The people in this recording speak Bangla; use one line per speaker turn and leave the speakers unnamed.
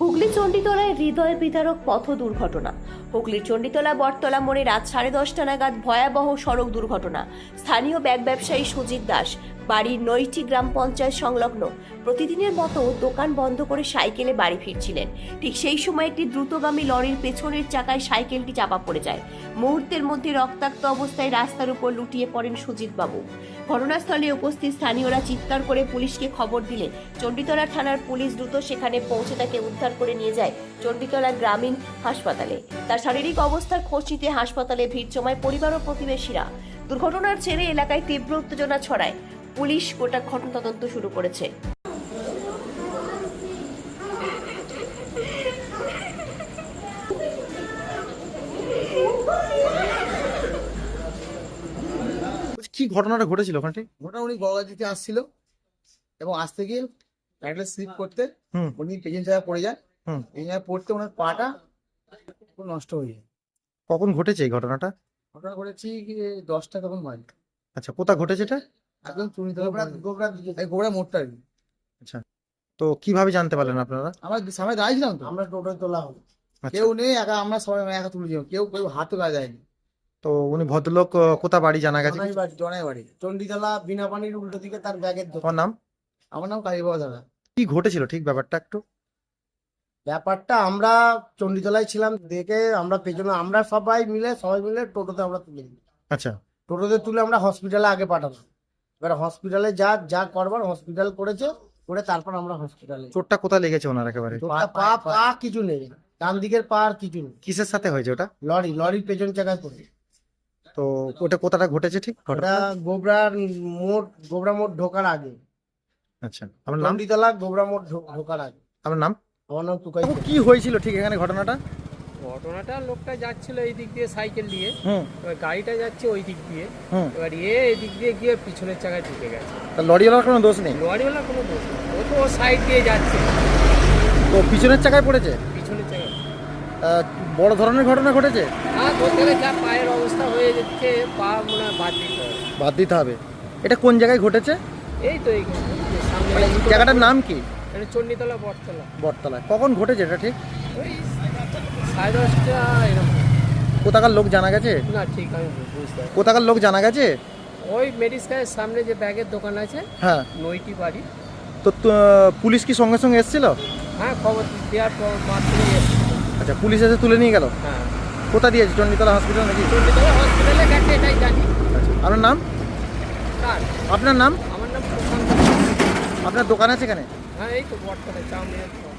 হুগলি চণ্ডীতলায় হৃদয় বিদারক পথ দুর্ঘটনা। হুগলির চণ্ডীতলা বটতলা মোড়ে রাত 10:30 নাগাদ ভয়াবহ সড়ক দুর্ঘটনা। স্থানীয় ব্যাগ ব্যবসায়ী সুজিত দাস বাড়ির নৈটি গ্রাম পঞ্চায়েত সংলগ্ন প্রতিদিনের মতো দোকান বন্ধ করে সাইকেলে বাড়ি ফিরছিলেন। ঠিক সেই সময় একটি দ্রুতগামী লরির পেছনের চাকায় সাইকেলটি চাপা পড়ে যায়। মুহূর্তের মধ্যে রক্তাক্ত অবস্থায় রাস্তার উপর লুটিয়ে পড়েন সুজিত বাবু। ঘটনাস্থলে উপস্থিত স্থানীয়রা চিৎকার করে পুলিশকে খবর দিলে চণ্ডীতলা থানার পুলিশ দ্রুত সেখানে পৌঁছে তাকে উদ্ধার করে নিয়ে যায় চণ্ডীতলা গ্রামীণ হাসপাতালে। তার শারীরিক অবস্থার খোঁজ নিতে হাসপাতালে ভিড় জমায় পরিবার ও প্রতিবেশীরা। দুর্ঘটনার জেরে এলাকায় তীব্র উত্তেজনা ছড়ায়। পুলিশ গোটা ঘটনা তদন্ত শুরু করেছে।
কি ঘটনাটা ঘটেছিল ওখানে?
ঘটনা উনি গঙ্গা দিতে আসছিল এবং আসতে গিয়ে একটা স্লিপ করতে উনি পেছন জায়গায় পড়ে যায়। এই জায়গায় পড়তে ওনার পাটা পুরো নষ্ট হয়ে যায়।
কখন ঘটেছে এই ঘটনাটা?
ঘটনা ঘটেছি 10টা তখন বাজে।
আচ্ছা, কোথা ঘটেছে এটা?
একদম গোবরা মোড়টা আর কি।
আচ্ছা, তো কিভাবে জানতে পারলেন আপনারা?
আমরা সামনে দাঁড়িয়েছিলাম তো, আমরা টোটোয় তোলা হলো, কেউ নেই একা, আমরা সবাই একা তুলেছিলাম, কেউ হাতও কাজ যায়নি।
তো উনি ভদ্রলোক কোথা বাড়ি জানা গেছে?
জনাই বাড়ি চণ্ডীতলা বিনা পানির উল্টো দিকে তার ব্যাগের দোকান।
তোমার নাম?
আমার নাম কালীবাবা দাদা।
কি ঘটেছিল ঠিক ব্যাপারটা একটু?
ব্যাপারটা আমরা চণ্ডীতলায় ছিলাম, দেখে আমরা পেছনে আমরা সবাই মিলে টোটোতে আমরা তুলে দিই।
আচ্ছা,
টোটোতে তুলে আমরা হসপিটালে আগে পাঠালাম। এবার হসপিটালে যা করবার হসপিটাল করেছে, করে তারপর আমরা হসপিটালে।
চোটটা কোথায় লেগেছে ওনার একেবারে?
পা কিছু নেই, ডান দিকের পা আর কিছু নেই।
কিসের সাথে হয়েছে ওটা?
লরির পেছন চাকায় পড়ে।
তো ওটা কোথাটা ঘটেছে ঠিক
ওটা
ঘটনা?
গোবরা মোড় ঢোকার আগে।
আচ্ছা, আপনার নাম?
চণ্ডীতলা গোবরা মোড় ঢোকার আগে।
আপনার নাম?
আমার নাম টুকাই।
কি হয়েছিল ঠিক এখানে ঘটনাটা?
ঘটনাটা লোকটা যাচ্ছিল এই দিক দিয়ে সাইকেল দিয়ে, এবার গাড়িটা যাচ্ছে ওই দিক দিয়ে, এবার এই দিক দিয়ে গিয়ে পিছনের চাকায় ঢুকে গেছে।
তা লরিওয়ালার কোনো দোষ নেই?
লরিওয়ালা কোনো দোষ নেই, ও তো সাইড দিয়ে যাচ্ছে,
তো পিছনের চাকায় পড়েছে?
পিছনের চাকায়।
বড় ধরনের ঘটনা ঘটেছে?
হ্যাঁ, ধরতে গেলে যা পায়ের অবস্থা হয়ে যাচ্ছে, পা মনে হয় বাদ দিতে হবে।
বাদ দিতে হবে। এটা কোন জায়গায় ঘটেছে?
এই তো এই সামনে
জায়গাটার নাম কি?
এটা চণ্ডীতলা বটতলা।
বটতলায়। কখন ঘটেছে এটা ঠিক?
ওই 10:30 এরকম।
কোথাকার লোক জানা গেছে?
না ঠিক আমি বুঝতে পারি।
কোথাকার লোক জানা গেছে?
ওই মেডিসিনের সামনে যে ব্যাগের দোকান আছে,
হ্যাঁ,
নইটি বাড়ি।
তো পুলিশ কি সঙ্গে সঙ্গে এসেছিল?
হ্যাঁ, খবর দেওয়ার পর মাত্রই এসেছিল।
আচ্ছা, পুলিশ এসে তুলে নিয়ে গেল?
হ্যাঁ,
কোথা দিয়েছে? চণ্ডীতলা হসপিটাল নাকি?
চণ্ডীতলা হসপিটালে গেছে এটাই জানি।
আচ্ছা, আপনার নাম?
কার?
আপনার নাম?
আমার নাম প্রশান্ত।
আপনার দোকান আছে এখানে?
হ্যাঁ, এই তো বটতলায় চাউমিনের।